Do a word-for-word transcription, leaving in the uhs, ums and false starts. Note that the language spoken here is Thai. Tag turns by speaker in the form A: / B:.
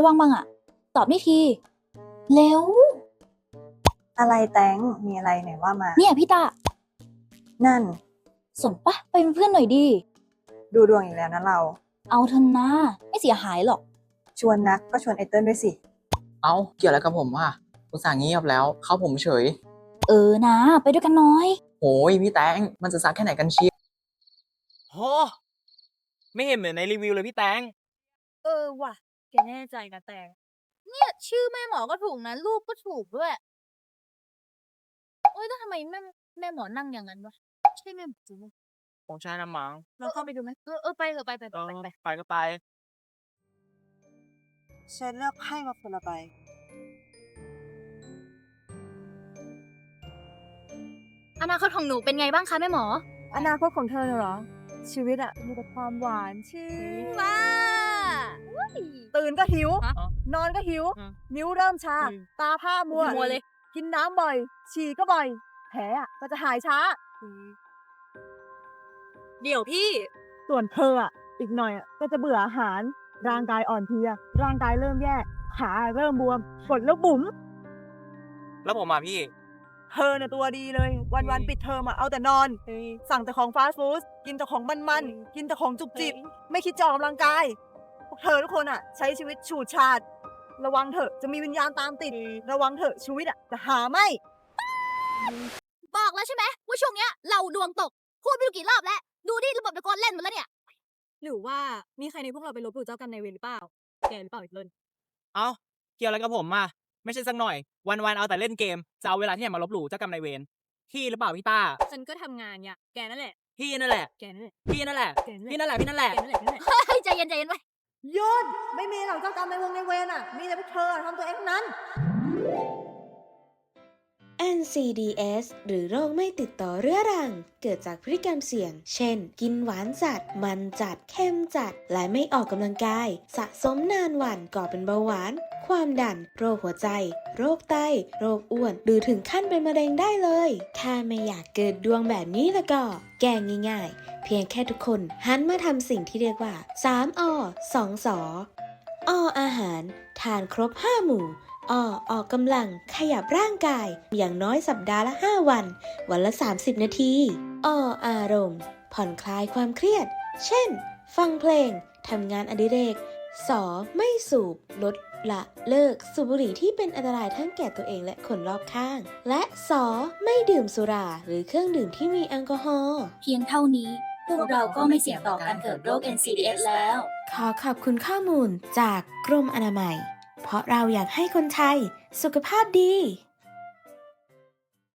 A: ว่างบ้างอะตอบได้ทีเร็ว
B: อะไรแตงมีอะไรไหนว่ามา
A: เนี่ยพี่ตา
B: นั่น
A: สนปะไปเป็นเพื่อนหน่อยดี
B: ดูดวงอีกแล้วนะเรา
A: เอาเถอะนะไม่เสียหายหรอก
B: ชวนนักก็ชวนไอเติ้ลด้วยสิ
C: เอ้าเกี่ยวอะไรกับผมอ่ะอุตส่าห์เงียบแล้วเข้าผมเฉย
A: เออนะไปด้วยกันน้อย
C: โอ้ยพี่แตงมันจะซักแค่ไหนกันเชียว
D: โหไม่เห็นเหมือนในรีวิวเลยพี่แตง
E: เออว่ะแกแน่ใจนะแตงเนี่ยชื่อแม่หมอก็ถูกนะรูปก็ถูกด้วยโอ๊ยแล้วทำไมแม่แม่หมอนั่งอย่างนั้นวะใช่แม่หมอจริงไหม
D: ของชายนะมั้ง
E: เราเข้าไปดูไหมเออเออไปเถอะไปไป
D: เอ
E: ไป
D: อ
E: ไป
D: ไปก็ไป
B: ฉันเลือกให้มาคนละใบ
E: อนาคตของหนูเป็นไงบ้างคะแม่หมอ
B: อนาคตของเธอเหรอชีวิตอะมีแต่ความหวานชื่น
E: ว้า
B: ตื่นก็หิว
E: ฮะ
B: นอนก็หิว
D: อืม
B: นิ้วเริ่มชา
D: อืม
B: ตาผ้ามัว
E: มัวเลย
B: กินน้ำบ่อย ฉี่ก็บ่อย แผลอะก็จะหายช้า
E: เดี๋ยวพี่
B: ส่วนเธออ่ะ อีกหน่อยอ่ะก็จะเบื่ออาหาร ร่างกายอ่อนเพลีย ร่างกายเริ่มแย่ ขาเริ่มบวม กดแล้วบุ๋ม
D: แล้วผมมาพี่
B: เธอน่ะตัวดีเลย วันๆปิดเทอมอ่ะเอาแต่นอน สั่งแต่ของฟาสต์ฟู้ดกินแต่ของมันๆ กินแต่ของจุบจิบ ไม่คิดจะออกกำลังกาย พวกเธอทุกคนอ่ะ ใช้ชีวิตฉูดฉาด ระวังเถอะจะมีวิญญาณตามติด ระวังเถอะชีวิตอ่ะจะหาไม่
E: บอกแล้วใช่ไหมว่าช่วงเนี้ยเราดวงตก พูดไม่รู้กี่รอบแล้ว ดูดิระบบตะโกนเล่นหมดแล้วเนี่ย
F: หรือว่ามีใครในพวกเราไปลบหลู่เจ้ากรรมนายเวรหรือเปล่า แกหรือเปล่าอีกเลิน
D: เอ้าเกี่ยวอะไรกับผมอ่ะไม่ใช่สักหน่อย วันๆเอาแต่เล่นเกมจะเอาเวลาที่ไหนมาลบหลู่เจ้ากรรมนายเวรพี่หรือเปล่าพี่ต้า
F: ฉันก็ทำงานเนี่ยแกนั่นแหละ
D: พี่นั่นแหละ
F: แกนั่นแหละ
D: พี่นั่นแหละ
F: แกนั่นแหละ
D: พี่นั่นแหละพี่นั่นแหละ
F: แกนั่นแหละแกนั่นแหละ
E: เฮ้ยใจเย็นใจเย็นไว้
B: หยุดไม่มีหรอกเจ้ากรรมในายเวงในเวรอ่ะ มีแต่พวกเธอทำตัวเองทั้งนั้น
G: แอน ซี ดี เอส หรือโรคไม่ติดต่อเรื้อรัง เกิดจากพฤติกรรมเสี่ยง เช่น กินหวานจัด มันจัด เค็มจัด และไม่ออกกำลังกาย สะสมนานวันก่อเป็นเบาหวาน ความดัน โรคหัวใจ โรคไต โรคอ้วน หรือถึงขั้นเป็นมะเร็งได้เลย ถ้าไม่อยากเกิดดวงแบบนี้แล้วก็ แก้ง่ายๆ เพียงแค่ทุกคนหันมาทำสิ่งที่เรียกว่า สาม อ สอง ส อ อาหาร ทานครบ ห้า หมู่ อ ออกกำลังขยับร่างกาย อย่างน้อยสัปดาห์ละ ห้า วัน วันละ สามสิบ นาที อ อารมณ์ ผ่อนคลายความเครียด เช่น ฟังเพลง ทำงานอดิเรก ส ไม่สูบ ลด ละเลิกสูบบุหรี่ที่เป็นอันตรายทั้งแก่ตัวเองและคนรอบข้าง และ ส ไม่ดื่มสุราหรือเครื่องดื่มที่มีแอลกอฮอล์
A: เพียงเท่านี้ พวกเราก็ไม่เสี่ยงต่อการเกิดโรค เอ็น ซี ดี เอส แล้ว
G: ขอขอบคุณข้อมูลจากกรมอนามัย เพราะเราอยากให้คนไทยสุขภาพดี